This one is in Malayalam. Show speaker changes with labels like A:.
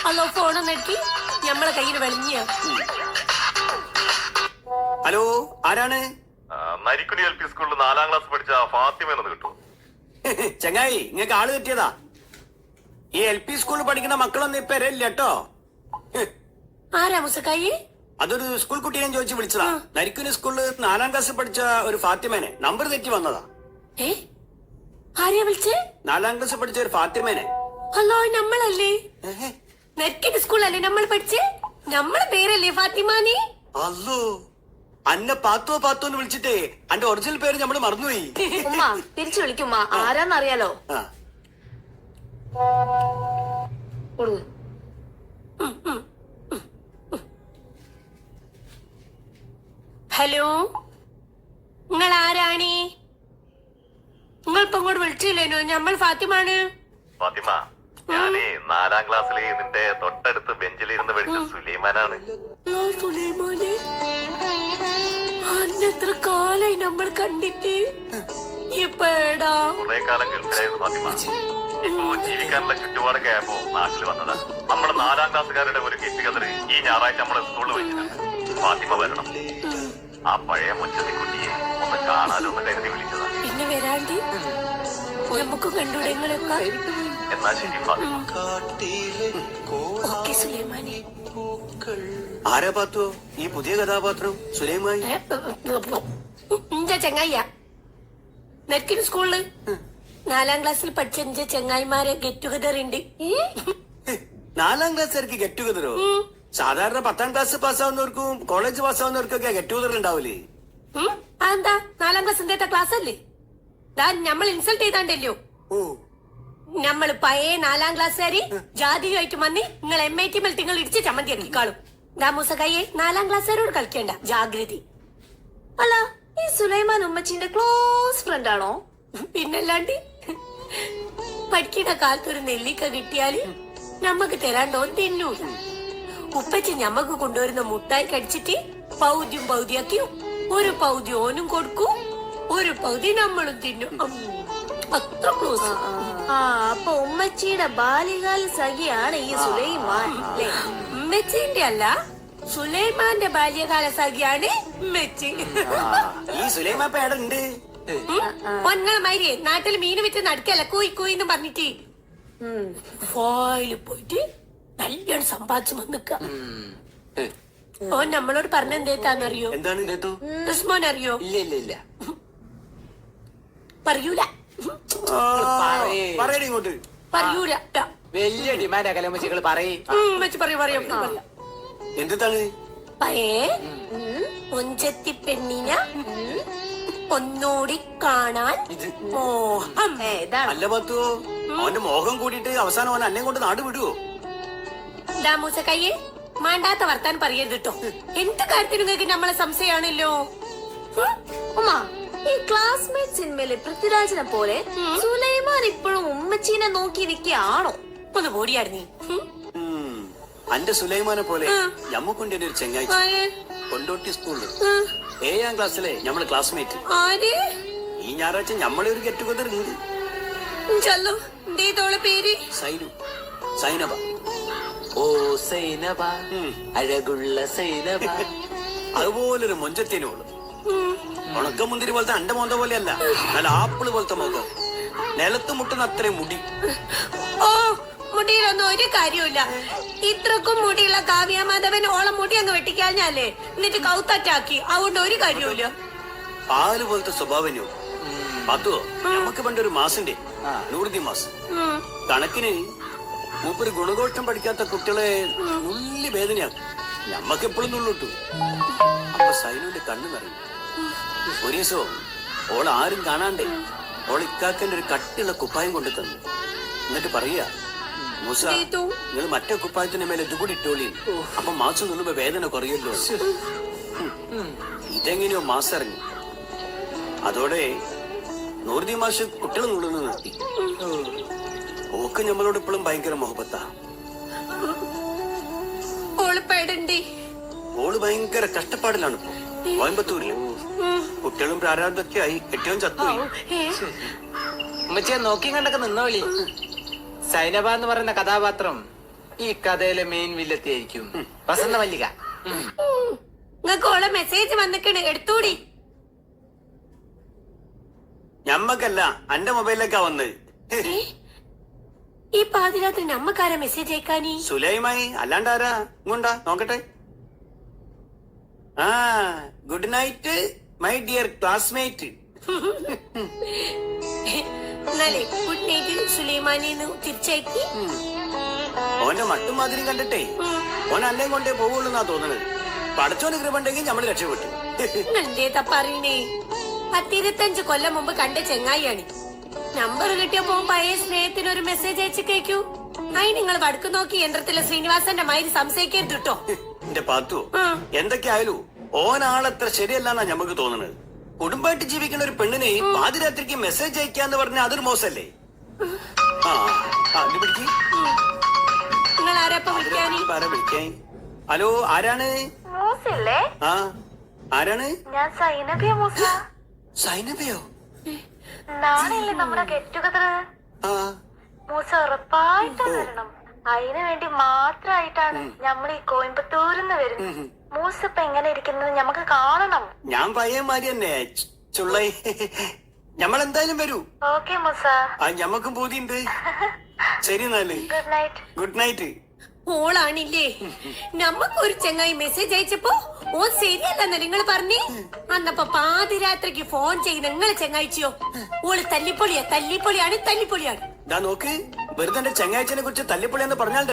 A: അല്ലോ ഫോൺ നെട്ടി ഞമ്മളെ കയ്യിൽ വെളിഞ്ഞ.
B: ഹലോ, ആരാണ്?
C: നരിക്കുനി LP സ്കൂളിൽ 4ാം ക്ലാസ് പഠിച്ച ഫാത്തിമ എന്ന് കിട്ടും.
B: ചങ്ങായി, നിങ്ങൾക്ക് ആള് തെറ്റിയതാ. ഈ LP സ്കൂളിൽ പഠിക്കുന്ന മക്കളൊന്നും ഇപ്പൊ ഇല്ല കേട്ടോ.
A: ആരാ മുസക്കായി?
B: അതൊരു സ്കൂൾ കുട്ടീനെ ചോദിച്ച് വിളിച്ചതാ. നരിക്കുനി സ്കൂളിൽ 4ാം ക്ലാസ് പഠിച്ച ഒരു ഫാത്തിമേനെ നമ്പർ തെറ്റി വന്നതാ.
A: ആരെയാ വിളിച്ചേ?
B: 4ാം ക്ലാസ് പഠിച്ച ഒരു ഫാത്തിമേനെ.
A: അല്ലോ, നമ്മളല്ലേ നെറ്റിന്റെ സ്കൂളല്ലേ നമ്മൾ പഠിച്ചേ? നമ്മളെ പേരല്ലേ ഫാത്തിമാനി?
B: അല്ലോ, അന്നെ പാത്തോ പാത്തോ എന്ന് വിളിച്ചിട്ടേ അന്റെ ഒറിജിനൽ പേര് നമ്മള് മറന്നുപോയി.
D: ഉമ്മ തിരിച്ചു വിളിക്കുമ്മ, ആരാന്നറിയാലോ.
A: ഹലോ, നിങ്ങൾ ആരാണ്? നിങ്ങൾ ഇപ്പൊ ഇങ്ങോട്ട് വിളിച്ചില്ലേനോ? നമ്മൾ ഫാത്തിമാണ്.
C: ഫാത്തിമ, ഞാനേ 4ാം ക്ലാസ്സിലെ നിന്റെ തൊട്ടടുത്ത് ബെഞ്ചിലിരുന്ന് പഠിച്ച സുലൈമാനാണ്.
A: സുലൈമാനെ, അന്നെത്ര കാലായി നമ്മൾ കണ്ടിട്ട്. ഇപ്പടാ
C: കുറെ കാലം ഗൾഫിലായിരുന്നു ഫാത്തിമ. ഇപ്പൊ ജീവിക്കാനുള്ള ചുറ്റുപാടൊക്കെ ആയപ്പോ നാട്ടിൽ വന്നതാ. നമ്മുടെ 4ാം ക്ലാസ്സുകാരുടെ ഒരു ഗെറ്റ് ടുഗദർ ഈ ഞായറാഴ്ച നമ്മളെ സ്കൂളിൽ വെച്ചിട്ടുണ്ട്. ഫാത്തിമ വരണം. ആ പഴയ മുച്ചത്തിക്കുട്ടിയെ ഒന്ന് കാണാനോ ഒന്ന് കരുതി വിളിച്ചതാ.
A: പിന്നെ വരാണ്ടി നമുക്ക് കണ്ടുവിടങ്ങളൊക്കെ.
C: എന്നാ ശരി ഫാത്തിമ.
A: ഓക്കെ സുലൈമാനെ.
B: ആരാ പാത്തോ ഈ പുതിയ കഥാപാത്രം? സുലൈമാൻ
A: എന്റെ ചെങ്ങായിയാ. നെറ്റിന് സ്കൂളില് 4ാം ക്ലാസ്സിൽ പഠിച്ച എന്റെ ചെങ്ങായിമാരെ ഗെറ്റ് ടുഗദർ ഉണ്ട്.
B: 4ാം ക്ലാസ്സുകാർക്ക് ഗെറ്റ് ടുഗദറോ? സാധാരണ 10ാം ക്ലാസ് പാസ്സാവുന്നവർക്കും കോളേജ് പാസ്സാവുന്നവർക്കൊക്കെ ഗെറ്റ് ടുഗദർ ഉണ്ടാവില്ലേ?
A: അതെന്താ? 4ാം ക്ലാസ് എന്താ ക്ലാസ് അല്ലേ? നമ്മൾ ഇൻസൾട്ട് ചെയ്താണ്ടല്ലോ. നമ്മള് പഴയ 4ാം ക്ലാസ്സുകാരി ജാതിയുമായിട്ട് വന്നി നിങ്ങൾ MIT നിങ്ങൾ ഇടിച്ച് ചമ്മന്തി കാണും. ദാമൂസക്കായെ 4ാം ക്ലാസ്സുകാരോട് കളിക്കേണ്ട, ജാഗ്രതി.
D: അല്ല, ഈ സുലൈമാൻ ഉമ്മച്ചിന്റെ ക്ലോസ് ഫ്രണ്ട് ആണോ?
A: പിന്നല്ലാണ്ട്. പഠിക്കുന്ന കാലത്ത് ഒരു നെല്ലിക്ക കിട്ടിയാല് നമ്മക്ക് തരാണ്ടോ തിന്നൂല. ഉപ്പച്ചി ഞമ്മക്ക് കൊണ്ടുവരുന്ന മുട്ടായി കടിച്ചിട്ട് പൗതിയും പൗതിയാക്കി ഒരു പൗതി ഓനും കൊടുക്കും, ഒരു പൗതി നമ്മളും തിന്നും. അത്ര ക്ലോസ്.
D: അപ്പൊ ഉമ്മച്ചിയുടെ ബാല്യകാല സഖിയാണ് ഈ സുലൈമാൻ അല്ലേ?
A: ഉമ്മച്ചിന്റെ അല്ല, സുലൈമാന്റെ ബാല്യകാല സഖിയാണ് ഉമ്മച്ചി.
B: ഈ സുലൈമാൻ ഇപ്പൊ എവിടെ ഉണ്ട്?
A: ഒന്നാമാതിരി നാട്ടിൽ മീന് വിറ്റ് നടക്കല്ല കോയി കോയിന്ന് പറഞ്ഞിട്ട് ഫോയില് പോയിട്ട് നല്ലോണം സമ്പാദിച്ചു വന്നിക്ക. ഓൻ നമ്മളോട് പറഞ്ഞ എന്തേത്താന്നറിയോ?
B: എന്താണ്?
A: ഉസ്മാൻ അറിയോ?
E: ഇല്ല ഇല്ല ഇല്ല,
A: പറയൂല
B: പറയണ ഇങ്ങോട്ട്.
A: പറയൂല.
E: വലിയ ഡിമാൻഡ് കലമച്ചികൾ പറയും.
A: പറയാം.
B: എന്താണ്?
A: പയേ ഒഞ്ചത്തി പെണ്ണിനെ ഒന്നൂടി കാണാൻ മോഹം.
B: അല്ല പത്തോ, അവന്റെ മോഹം കൂടിയിട്ട് അവസാനം അവൻ അന്നെ കൊണ്ട് നാട് വിടുവോ?
A: ദാമൂസക്കയ്യെ മാണ്ടാത്ത വർത്താൻ പറയരുത് കേട്ടോ. എന്ത് കാര്യത്തിന് നിങ്ങൾക്ക് നമ്മളെ സംശയമാണല്ലോ.
D: ഉമ്മ, ഈ ക്ലാസ്മേറ്റ് സിനിമയിലെ പൃഥ്വിരാജിനെ പോലെ സുലൈമാൻ ഇപ്പോഴും ഉമ്മച്ചീനെ നോക്കിയിരിക്കുകയാണോ?
A: ഒന്ന് ഓടിയായിരുന്നു.
B: അന്റെ സുലൈമാനെ പോലെ ഞമ്മക്കുണ്ടി ഒരു ചെങ്ങായി കൊണ്ടോട്ടി സ്കൂളില് 7ാം ക്ലാസ്സിലെ ഞമ്മളെ ക്ലാസ്മേറ്റ്. ഈ ഞായറാഴ്ച ഞമ്മളെ ഒരു ഗെറ്റ് ടുഗദർ ഉണ്ട്.
A: പേര്
B: സൈനു, സൈനബ.
E: ഓ സൈനബ, അഴകുള്ള സൈനബ.
B: അതുപോലൊരു മൊഞ്ചത്തേനോള്. ഉണക്കമുന്തിരി പോലത്തെ അണ്ട മോന്ത പോലെയല്ല, നല്ല ആപ്പിള് പോലത്തെ മുഖം, നിലത്ത് മുട്ടുന്ന അത്രയും മുടി.
A: ഓ, മുടിയിലൊന്നും ഒരു കാര്യമില്ല. ഇത്രക്കും മുടിയുള്ള കാവ്യമാധവൻ ഓളം മുടി അങ്ങ് വെട്ടിക്കാഞ്ഞാലേ എന്നിട്ട് കൗത്തറ്റാക്കി. അതുകൊണ്ട് ഒരു കാര്യമില്ല.
B: പാല് പോലത്തെ സ്വഭാവനോ പത്തുവോ? നമുക്ക് പണ്ടൊരു മാസിന്റെ നൂറുദി മാസം കണക്കിന് മൂപ്പര് ഗുണഘോഷം പഠിക്കാത്ത കുട്ടികളെ നുള്ളി വേദനയാക്കും. ഞമ്മക്ക് എപ്പോഴും നുള്ളിട്ടു. അപ്പൊ സൈനുവിന്റെ കണ്ണു നിറയും. ഒരു ദിവസവും ഓൾ ആരും കാണാണ്ടേ ഓൾ ഇക്കാക്കന്റെ ഒരു കട്ടിയുള്ള കുപ്പായം കൊണ്ടു തന്നു. എന്നിട്ട് പറയാ, മൂസ, നിങ്ങൾ മറ്റേ കുപ്പായത്തിന്റെ മേലെ ഇതുകൂടി ഇട്ടോളി, അപ്പൊ മാസം നുള്ളുമ്പോ വേദന കുറയല്ലോ. ഇതെങ്ങനെയോ മാസം ഇറങ്ങി. അതോടെ നൂറുദി മാഷ് കുട്ടികൾ നുള്ളുന്നു നിർത്തി. ഓക്ക് നമ്മളോട് ഇപ്പോഴും ഭയങ്കര മുഹബത്താ. ഓള് ഭയങ്കര കഷ്ടപ്പാടിലാണ് ഇപ്പൊ കോയമ്പത്തൂരില്. കുട്ടികളും പ്രാരാബ്ദമൊക്കെ ആയി. കെട്ടിയവൻ ചത്തുപോയി.
E: ഉമ്മച്ചിയെ നോക്കി കണ്ടൊക്കെ നിന്നോളി. സൈനബ എന്ന് പറയുന്ന കഥാപാത്രം ഈ കഥയിലെ മെയിൻ വില്ലത്തി ആയിരിക്കും വസന്ത മല്ലിക.
A: നിങ്ങക്ക് ഓളെ മെസ്സേജ് വന്നിക്കണ്, എടുത്തൂടി.
B: ഞമ്മക്കല്ല അന്റെ മൊബൈലിലേക്കാ വന്നത്.
A: ഏ? ഈ പാതിരാത്രി നമ്മക്കാരാ മെസ്സേജ് അയക്കാനി?
B: സുലൈമായി അല്ലാണ്ടാരാ? ഇങ്ങോണ്ടാ നോക്കട്ടെ. ആ good night my dear classmate.
A: എന്നാലേ ഗുഡ് നൈറ്റിൽ സുലൈമാനിന്ന് തിരിച്ചയക്കി.
B: ഓന്റെ മട്ടും മാതിരി കണ്ടിട്ടേ ഓൻ അല്ലേ കൊണ്ടേ പോവുള്ളൂന്നാ തോന്നണത്. പടച്ചോന് കൃപണ്ടെങ്കിൽ നമ്മള് രക്ഷപ്പെട്ടു.
A: എന്തേതാ പറയണേ? 10-25 കൊല്ലം മുമ്പ് കണ്ട ചെങ്ങായിയാണ്. നമ്പർ കിട്ടിയപ്പോ പഴയ സ്നേഹത്തിന് ഒരു മെസ്സേജ് അയച്ചു കേക്കൂ. അയി നിങ്ങൾ വടക്ക് നോക്കി യന്ത്രത്തിലെ ശ്രീനിവാസന്റെ മാതിരി സംശയിക്കരുത് കേട്ടോ.
B: എന്റെ പാത്തു, എന്തൊക്കെയായാലും ഓനാളത്ര ശരിയല്ലാന്നാ ഞമ്മക്ക് തോന്നണത്. കുടുംബമായിട്ട് ജീവിക്കുന്ന ഒരു പെണ്ണിനെ പാതിരാത്രിക്ക് മെസ്സേജ് അയക്കാന്ന് പറഞ്ഞ അതൊരു മോശല്ലേ? ആ അത് പിടിക്ക്.
A: നിങ്ങൾ ആരാപ്പ വിളിക്കാനി?
B: വിളിക്കാൻ. ഹലോ, ആരാണ്?
D: മൂസല്ലേ?
B: ആ ആരാണ്?
D: ഞാൻ സൈനബിയ മൂസ.
B: സൈനബയോ?
D: നാളെയല്ലേ നമ്മുടെ ഗെറ്റ് ടുഗദർ?
B: ആ
D: മൂസ ഉറപ്പായിട്ടും വരണം. അതിനു വേണ്ടി മാത്രായിട്ടാണ് നമ്മൾ ഈ കോയമ്പത്തൂരിന്ന് വരുന്നത്. മൂസ ഇപ്പൊ എങ്ങനെ ഇരിക്കുന്നത് നമുക്ക് കാണണം.
B: ഞാൻ പയ്യന്മാരി തന്നെ ചുള്ളൈ. ഞമ്മളെന്തായാലും വരൂ.
D: ഓക്കെ മൂസ.
B: ആ ഞമ്മക്കും പൂതിയുണ്ട്. ശരി എന്നാല്
D: ഗുഡ് നൈറ്റ്.
B: Good night.
A: ഓളാണില്ലേ നമ്മക്കൊരു ചെങ്ങായി മെസ്സേജ് അയച്ചപ്പോ ഓ ശരിയല്ലെന്ന നിങ്ങൾ പറഞ്ഞേ. അന്നപ്പോ പാതിരാത്രിക്ക് ഫോൺ ചെയ്ത് നിങ്ങളെ ചെങ്ങായിച്ചിയോ? ഓള് തല്ലിപ്പൊളിയാണ്.
B: ഇതാ നോക്ക്, വെറുതെ എന്റെ ചെങ്ങാഴ്ചനെ കുറിച്ച് തല്ലിപ്പൊളിയെന്ന് പറഞ്ഞാൽ